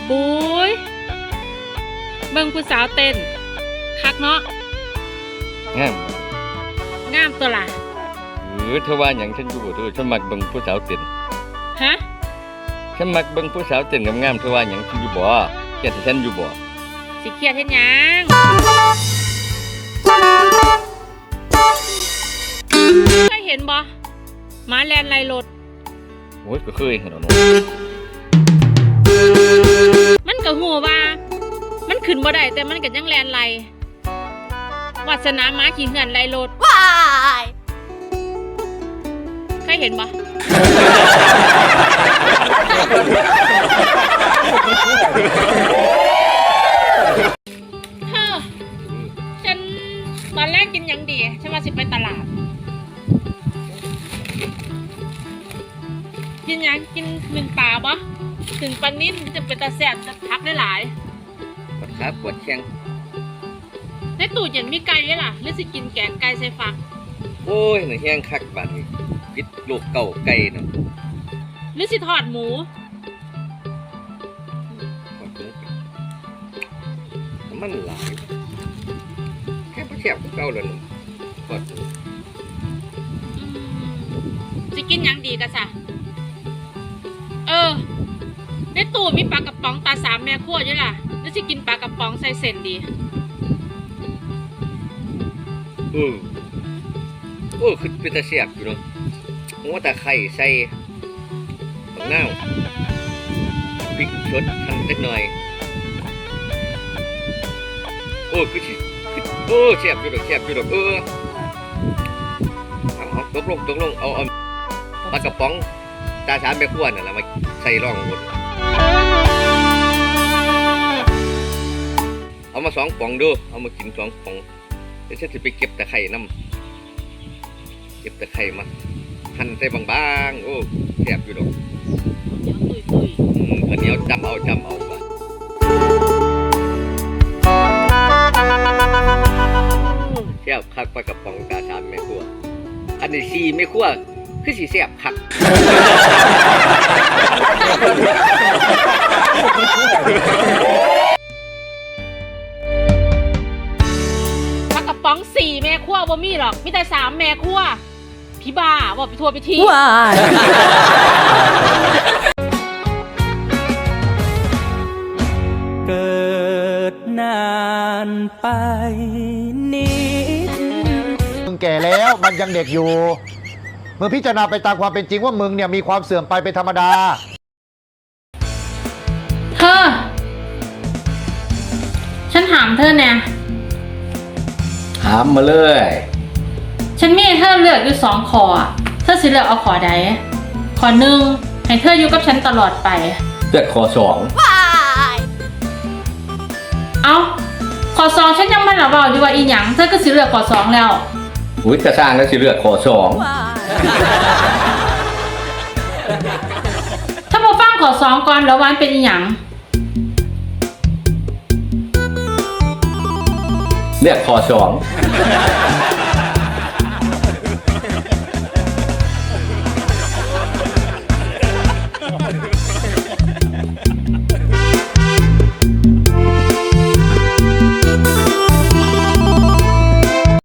บุยเบิ่งผู้สาวเต้นคักเนาะงามงามตัวล่ะเธอว่าอย่างฉันอยู่บ่เธอฉันมักเบิ่งผู้สาวเต้นฮะฉันมักเบิ่งผู้สาวเต้นงามๆเธอว่าอย่างฉันอยู่บ่แค่ฉันอยู่บ่สิเครียดเฮ็ดหยังเคยเห็นบ่หมาแลนไล่รถโอ้ยก็เคยเห็นแล้วเนาะมันก็ฮู้ว่ามันขึ้นบ่ได้แต่มันก็ยังแลนไล่วาสนาหมาขี่เหือนไล่รถว้ายเคยเห็นบ่ฉันตอนแรกกินยังดีฉันว่าสิไปตลาดกินยังกินหนึ่งปลาบ่ถึงปลานิ่มจะเป็นตาแสบจะพักได้หลายปวดขาปวดแข้งในตู้เย็นมีไก่ด้วยล่ะหรือสิกินแกงไก่ใส่ฟักโอ้ยหน่อยแห้งคักบัดนี้พิษลูกเก่าไก่เนาะหรือสิทอดหมูมันหลายแค่แคบเก่าเลยทอดสิกินยังดีกันซะในตู้มีปลากระป๋องตาสามแม่ขั้วด้วยล่ะหรือสิกินปลากระป๋องใส่เส้นดีคือเป็นตาเสียบอยู่เนาะหัวตาไข่ใส่ผักเน่าพริกชดหั่นเล็กน้อยคือสิเสียบอยู่ดอกเสียบอยู่ดอกเอาตกลงเอาปลากระป๋องตาสามแม่ขั้วน่ะล่ะมาใส่ร่องหมดเอามา2 ป่องดูเอามากิน2 ป่องเดี๋ยวฉันจะไปเก็บตะไคร่น้ำเก็บตะไคร่มาหั่นใส่บางๆแซ่บอยู่ดอกเหนียวจำเอาแซ่บคักปลากระป๋องตาสามแม่ขั้วอันนี้4 แม่ขั้วคือสิแซ่บคักปลากระป๋อง4 แม่ขั้วบ่มีหรอกมีแต่3 แม่ขั้วพี่บ้าบอกไปทัวร์ไปทีว้ายเกิดนานไปนิดมึงแก่แล้วมันยังเด็กอยู่มึงพิจารณาไปตามความเป็นจริงว่ามึงเนี่ยมีความเสื่อมไปเป็นธรรมดาเธอฉันถามเธอเนี่ยถามมาเลยฉันมีให้เธอเลือกอยู่2 ข้อเธอสิเลือกเอาข้อใดข้อ1ให้เธออยู่กับฉันตลอดไปเลือกข้อ2 เอาข้อ2ฉันยังไม่ระเบ้าอยู่ว่าอีหยังเธอก็สิเลือกข้อ2แล้วอุ้ยจะสร้างแล้วสิเลือกข้อ2 ถ้าบ่ฟังข้อ2ก่อนแล้ววันเป็นอีหยังเลือกข้อ2